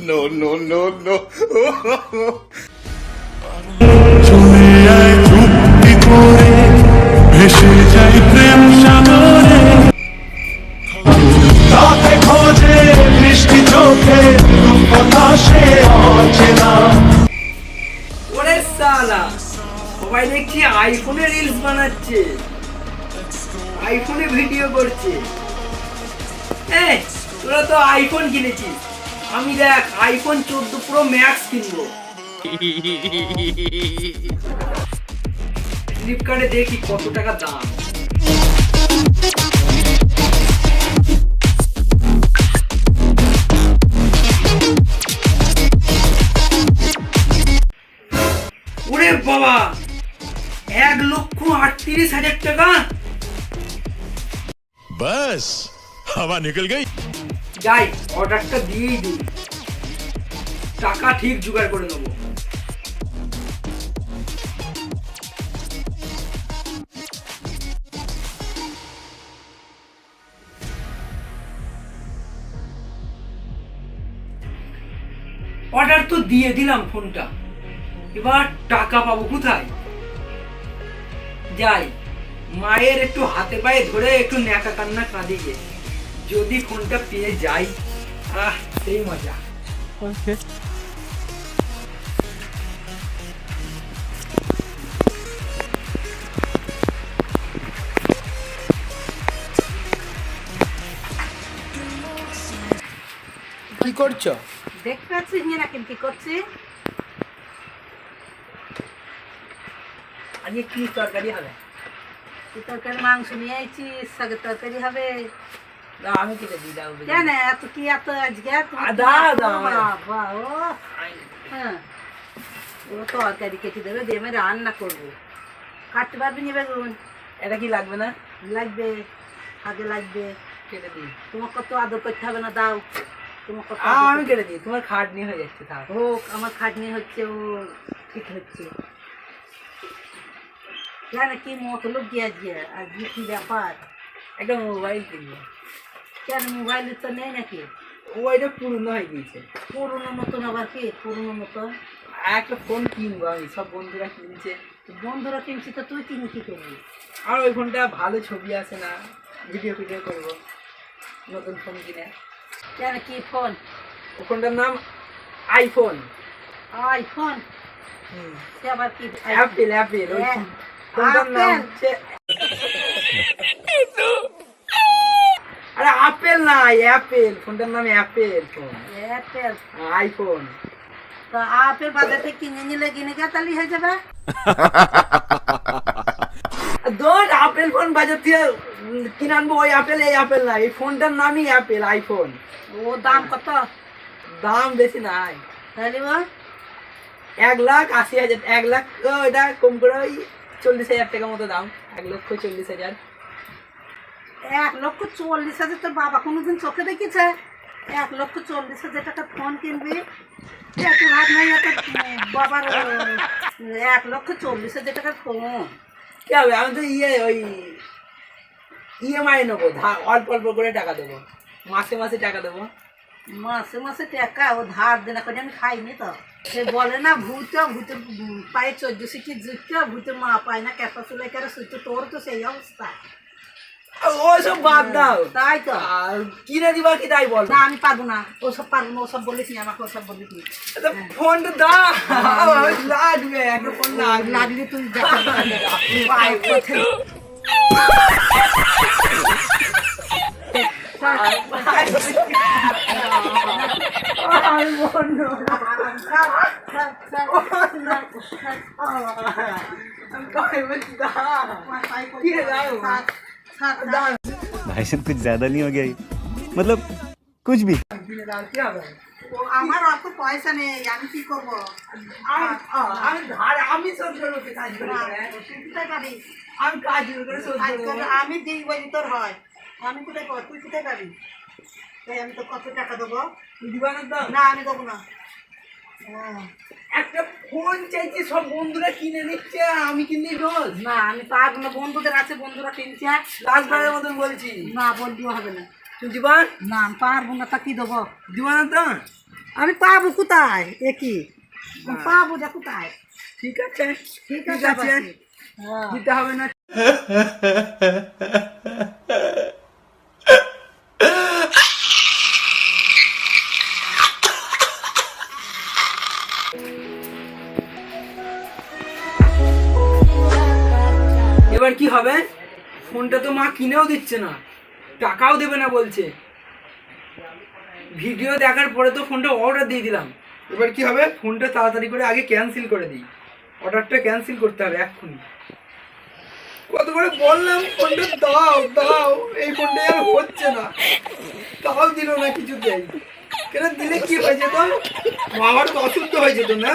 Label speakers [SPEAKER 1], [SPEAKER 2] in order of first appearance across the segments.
[SPEAKER 1] No, no, no, no.
[SPEAKER 2] চলে আয় চুক্তি করে ভেসে যাই প্রেম সাগরে রাতে খোঁজে বৃষ্টি চোখে রূপনাশে অচেনা
[SPEAKER 3] ওরে সালা সবাই দেখছি আইফোনে রিলস বানাচ্ছে, আইফোনে ভিডিও করছে। তোরা তো আইফোন কিনেছিস, আমি দেখ আইফোন 14 প্রো ম্যাক্স কিনবো। ফ্লিপকার্টে দেখি কত টাকা দাম। ওরে বাবা, 1,38,000 টাকা।
[SPEAKER 2] बस हवा निकल गई
[SPEAKER 3] যাই অর্ডারটা দিয়েই দিই, টাকা ঠিক জোগাড় করে নেবো। অর্ডার তো দিয়ে দিলাম ফোনটা, এবার টাকা পাবো কোথায়? যাই মায়ের একটু হাতে পায়ে ধরে একটু ন্যাকা কান্না কাঁদিয়ে যদি ফোনটা পেয়ে যাই, সেই মজা। কি করছো?
[SPEAKER 4] দেখতে পাচ্ছিস না কি করছি?
[SPEAKER 3] আজকে কি তরকারি হবে?
[SPEAKER 4] তরকারি মাংস নিয়ে আইছি, শাকের তরকারি হবে।
[SPEAKER 3] দাও আমি কেটে দিই, দাও।
[SPEAKER 4] কেন এত কি এত আজকে?
[SPEAKER 3] দাও।
[SPEAKER 4] বাবা ও হ্যাঁ, ও তরকারি কেটে দেবে দিয়ে আমি রান্না করবো। কাটতে পারবি না বেগুন?
[SPEAKER 3] এটা কি লাগবে না?
[SPEAKER 4] লাগবে, আগে লাগবে।
[SPEAKER 3] কেটে দিই।
[SPEAKER 4] তোমার কত আদর করতে হবে না, দাও। তোমার কত
[SPEAKER 3] আমি কেটে দিই, তোমার খাটনি হয়ে যাচ্ছে। থাক
[SPEAKER 4] হোক, আমার খাটনি হচ্ছে, ও ঠিক হচ্ছে। কেন কি মতলব কি আজকে? আজকে কি ব্যাপার?
[SPEAKER 3] একটা মোবাইল কিনবো।
[SPEAKER 4] কেন মোবাইল তো নেই নাকি?
[SPEAKER 3] ওইটা পুরনো হয়ে গিয়েছে।
[SPEAKER 4] পুরোনো মতন আবার কি পুরোনো মতন?
[SPEAKER 3] একটা ফোন কিনবো আমি, সব বন্ধুরা কিনছে।
[SPEAKER 4] বন্ধুরা কিনছি তো তুই কিনে কি করবি?
[SPEAKER 3] আর ওই ফোনটা ভালো ছবি আসে না, ভিডিও করবো, নতুন ফোন কিনে।
[SPEAKER 4] কেন কি ফোন?
[SPEAKER 3] ও ফোনটার নাম আইফোন।
[SPEAKER 4] আইফোন? সে আবার কি?
[SPEAKER 3] অ্যাপেল। ওই ফোনটার নাম হচ্ছে, আরে আপেল না, অ্যাপেল। ফোনটার নাম অ্যাপেল ফোন।
[SPEAKER 4] অ্যাপেল?
[SPEAKER 3] আইফোন।
[SPEAKER 4] তো আপেল বাজার থেকে কিনে নিলে কিনে গেতালি হয়ে যাবে।
[SPEAKER 3] দোষ, আপেল ফোন বাজার থেকে কিনে আনবো, ওই আপেল এই আপেল না, এই ফোনটার নামই অ্যাপেল, আইফোন।
[SPEAKER 4] ও দাম কত?
[SPEAKER 3] দাম বেশি নাই,
[SPEAKER 4] তাহলে
[SPEAKER 3] 1,80,000। 1 লাখ ওইটা কম করে ওই 40,000 টাকা মতো দাম। 1,40,000।
[SPEAKER 4] 1,40,000? তোর বাবা কোনোদিন চোখে দেখেছে 1,40,000 টাকা ফোন কিনবি? একটু ভাব নাই তোর বাবার 1,40,000 টাকার ফোন?
[SPEAKER 3] কি হবে? আমি তো ওই ইএমআই নেবো, অল্প অল্প করে টাকা দেবো, মাসে মাসে টাকা দেবো।
[SPEAKER 4] মাসে মাসে টাকা ও ধার দেনা করে আমি খাইনি তো। সে বলে না ভূতে পায়ে 14 সিটি জুটতে, ভূতে মা পায় না ক্যাপা চুলাই করে সুতো। তোর তো সেই অবস্থা।
[SPEAKER 3] ওসব বাদ দাও,
[SPEAKER 4] তাই তো।
[SPEAKER 3] আর কিনে দিবা কি তাই বল?
[SPEAKER 4] না আমি পারবো না, ওসব পারবো না। ওসব বলিস নি আমাকে, ওসব বলিস নি।
[SPEAKER 3] ফোনটা দাও, লাগবে একটা ফোন
[SPEAKER 4] লাগলে তুই
[SPEAKER 5] भाई साहब कुछ ज्यादा नहीं हो गया ये? मतलब कुछ भी।
[SPEAKER 4] আমার অত পয়সা নেই, আমি কি করবো?
[SPEAKER 3] আমি শোধ করবো, কাজ করে আমি কাজ করে শোধ করবো।
[SPEAKER 4] আমি দিই বলি তোর হয়। আমি কোথায় পাবো? তুই কোথায় পাবি? তাই আমি তো কত টাকা দেবো?
[SPEAKER 3] দিবা না তো?
[SPEAKER 4] না আমি দেবো না।
[SPEAKER 3] একটা ফোন চাইছি, সব বন্ধুরা কিনে নিচ্ছে, আমি কিনে দোষ?
[SPEAKER 4] না আমি পারবো না, বন্ধুদের আছে, বন্ধুরা কিনছে।
[SPEAKER 3] লাস্টবারের মতন বলছি,
[SPEAKER 4] না বললেও হবে না।
[SPEAKER 3] তুই দিবা
[SPEAKER 4] না আমি পারবো না, তা কি দেবো?
[SPEAKER 3] দিবা না তো?
[SPEAKER 4] আমি পাবো কোথায় একই পাবো যা কোথায়
[SPEAKER 3] ঠিক আছে
[SPEAKER 4] ঠিক
[SPEAKER 3] ঠিক
[SPEAKER 4] আছে
[SPEAKER 3] আছে
[SPEAKER 4] পাচ্ছি। হ্যাঁ।
[SPEAKER 3] দিতে হবে না। এবার কি হবে? ফোনটা তো মা কিনেও দিচ্ছে না, টাকাও দেবে না বলছে। ভিডিও দেখার পরে তো ফোনটা অর্ডার দিয়ে দিলাম। এবার কি হবে? ফোনটা তাড়াতাড়ি করে আগে ক্যান্সেল করে দিই। অর্ডারটা ক্যান্সেল করতে হবে এক্ষুনি। কত করে বললাম ফোনটা দাও দাও, এই ফোনটা আর হচ্ছে না, তাও দিল না কিছুতেই। কেন দিলে কি হয়ে যেত? মামার তো অসুস্থ হয়ে যেত না?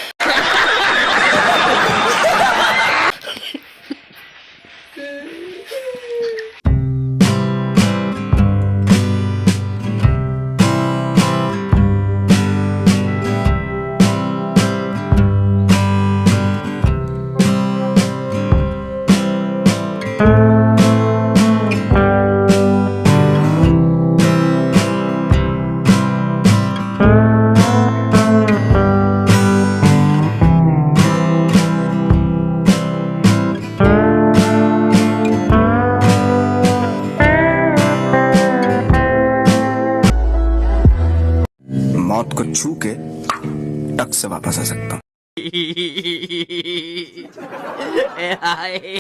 [SPEAKER 1] मौत को छू के टक से वापस आ सकता हूँ।